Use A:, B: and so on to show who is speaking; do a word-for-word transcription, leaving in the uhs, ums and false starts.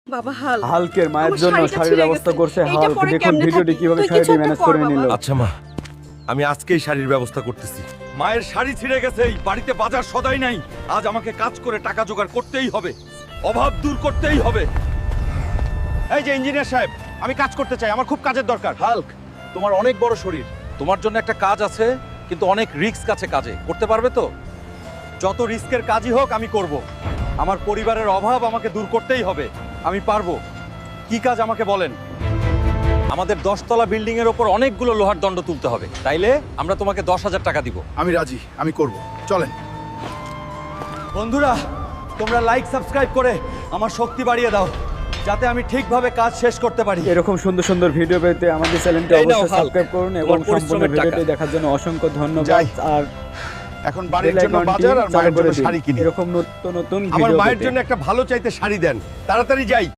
A: বাবা হাল
B: হালকের মায়ের
A: আমার
B: জন্য
A: শাড়িটা
B: শাড়ির
A: ছিঁড়ে
B: ব্যবস্থা
A: গেছে।
B: করছে
A: এইটা
B: হালক।
A: পরে
B: দেখুন
A: কেমনে
B: ভিডিওটি
A: থাকি?
B: কিভাবে
A: তুই
B: শাড়িটি
A: কিছু একটা
B: ম্যানেজ
A: কর
B: করে
A: বাবা।
B: নিল।
C: আচ্ছা মা, আমি আজকেই শাড়ির ব্যবস্থা করতেছি।
D: মায়ের শাড়ি ছিঁড়ে গেছে, এই বাড়িতে বাজার সদাই নাই। আজ আমাকে কাজ করে টাকা জোগাড় করতেই হবে, অভাব দূর করতেই হবে।
C: এই যে ইঞ্জিনিয়ার সাহেব, আমি কাজ করতে চাই, আমার খুব কাজের দরকার।
D: হাল্ক, তোমার অনেক বড় শরীর, তোমার জন্য একটা কাজ আছে, কিন্তু অনেক রিস্ক আছে কাজে। করতে পারবে তো? যত রিস্কের কাজই হোক আমি করব। আমার পরিবারের অভাব আমাকে দূর করতেই হবে, আমি পারবো। কি কাজ আমাকে বলেন। আমাদের দশতলা বিল্ডিং এর ওপর অনেকগুলো লোহার দণ্ড তুলতে হবে, তাইলে আমরা তোমাকে দশ হাজার টাকা দিব।
E: আমি রাজি, আমি করব। চলেন।
D: বন্ধুরা, তোমরা লাইক সাবস্ক্রাইব করে আমার শক্তি বাড়িয়ে দাও, যাতে আমি ঠিকভাবে কাজ শেষ করতে পারি।
B: এরকম সুন্দর সুন্দর ভিডিও পেতে আমাদের চ্যানেলটি
D: এই নাও
B: অবশ্যই
D: হাল্ক,
B: সাবস্ক্রাইব করুন এবং
D: তোমার
B: সম্পূর্ণ
D: পরিশ্রমের টাকা।
B: ভিডিওটি দেখার জন্য অসংখ্য ধন্যবাদ।
E: যাই।
B: আর
E: এখন বাড়ির
B: বেল
E: জন্য
B: আইকনটি
E: বাজার আর
B: চালু
E: মায়ের
B: করে
E: জন্য
B: দিন।
E: শাড়ি কিনি।
B: এরকম নতুন নতুন
C: আমার
B: ভিডিও
C: মায়ের
B: পেতে।
C: জন্য একটা ভালো চাইতে শাড়ি দেন, তাড়াতাড়ি যাই।